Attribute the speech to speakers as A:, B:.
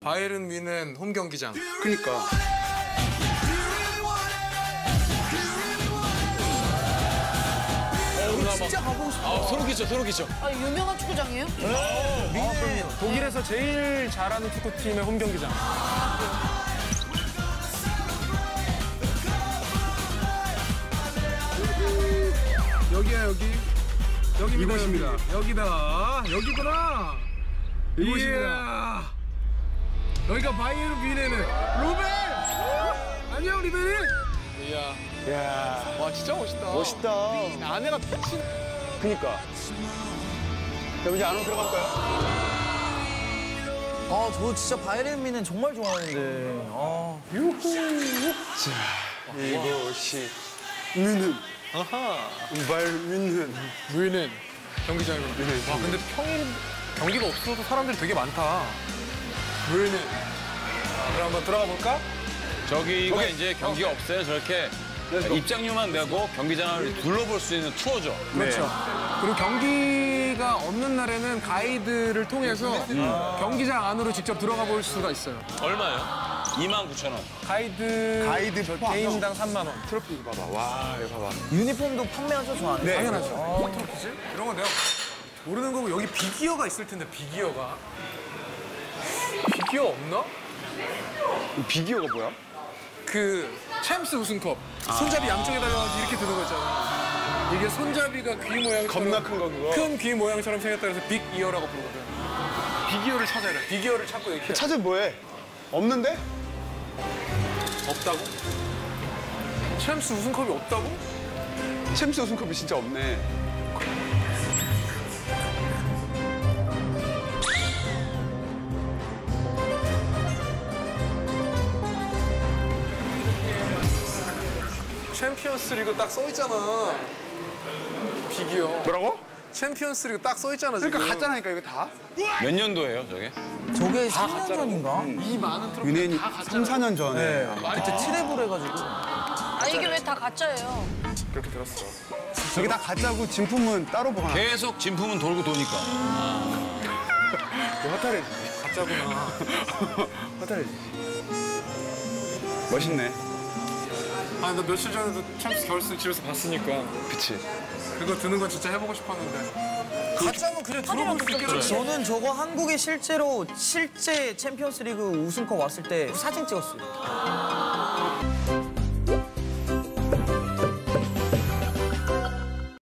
A: 바이에른 뮌헨 홈 경기장.
B: 그니까.
C: 진짜 가보고 싶어.
D: 아, 소름 끼쳐, 소름 끼쳐.
E: 아, 유명한 축구장이에요?
A: 독일에서 제일 잘하는 축구팀의 홈 경기장. 여기야, 여기. 여기입니다. 이곳입니다. 여기다. 여기구나. 이곳입니다. 여기가 바이에른 뮌헨은 루벤! 안녕, 루벤이.
B: 야,
D: 와, 진짜 멋있다.
B: 멋있다.
D: 안에가 미친.
B: 그니까. 그럼 이제 안으로 들어가 볼까요?
C: 아, 저 진짜 바이에른 뮌헨 정말 좋아하는데. 아.
B: 이곳이 뮌헨.
D: 아하.
B: 바이에른 뮌헨.
A: 뮌헨 경기장이구나. 와, 근데 평일 경기가 없어도 사람들이 되게 많다. 뮌헨. 그럼 한번 들어가 볼까?
D: 저기가 이제 경기가 없어요. 저렇게 입장료만 내고 경기장을 둘러볼 수 있는 투어죠.
A: 그렇죠. 그리고 경기가 없는 날에는 가이드를 통해서 경기장 안으로 직접 들어가 볼 수가 있어요.
D: 얼마예요? 29,000원.
A: 가이드
B: 포함.
A: 개인당 3만 원.
B: 트로피 봐봐. 와, 이거 봐봐.
C: 유니폼도 판매하죠, 저 안에?
B: 네.
A: 당연하죠. 트로피지? 이런 거 내가 모르는 거고 여기 비기어가 있을 텐데 비기어가. 비기어 없나?
B: 비기어가 뭐야?
A: 그 챔스 우승컵. 손잡이 양쪽에 달려가지고 이렇게 드는 거 있잖아. 이게 손잡이가 귀 모양처럼
B: 겁나 큰 거, 그거?
A: 큰 귀 모양처럼 생겼다 그래서 빅 이어라고 부르거든. 비기어를 찾아야 돼. 비기어를 찾고 이렇게.
B: 찾으면 뭐해? 없는데?
A: 없다고? 챔스 우승컵이 없다고?
B: 챔스 우승컵이 진짜 없네.
A: 챔피언스 리그 딱 써있잖아. 비기어.
B: 뭐라고?
A: 챔피언스 리그 딱 써있잖아, 지금.
B: 그러니까 갔잖아니까, 이거 다.
D: 몇 년도예요, 저게?
C: 저게 3년 전인가?
A: 이 많은 트로피
B: 뮌헨이
A: 다
B: 3, 4년 전에.
C: 그때 트래블 해가지고.
E: 아, 이게 왜 다 가짜예요?
A: 그렇게 들었어.
B: 저기 다 가짜고 진품은 따로 보관하
D: 계속 진품은 돌고 도니까.
B: 허탈해.
A: 가짜구나.
B: 허탈해. 멋있네.
A: 아니, 나 며칠 전에도 챔스 결승 집에서 봤으니까.
B: 그치.
A: 그거 드는 건 진짜 해보고 싶었는데. 가짜면 그냥 들어볼 수 있겠지.
C: 저는 저거 한국에 실제 챔피언스 리그 우승컵 왔을 때 사진 찍었어요.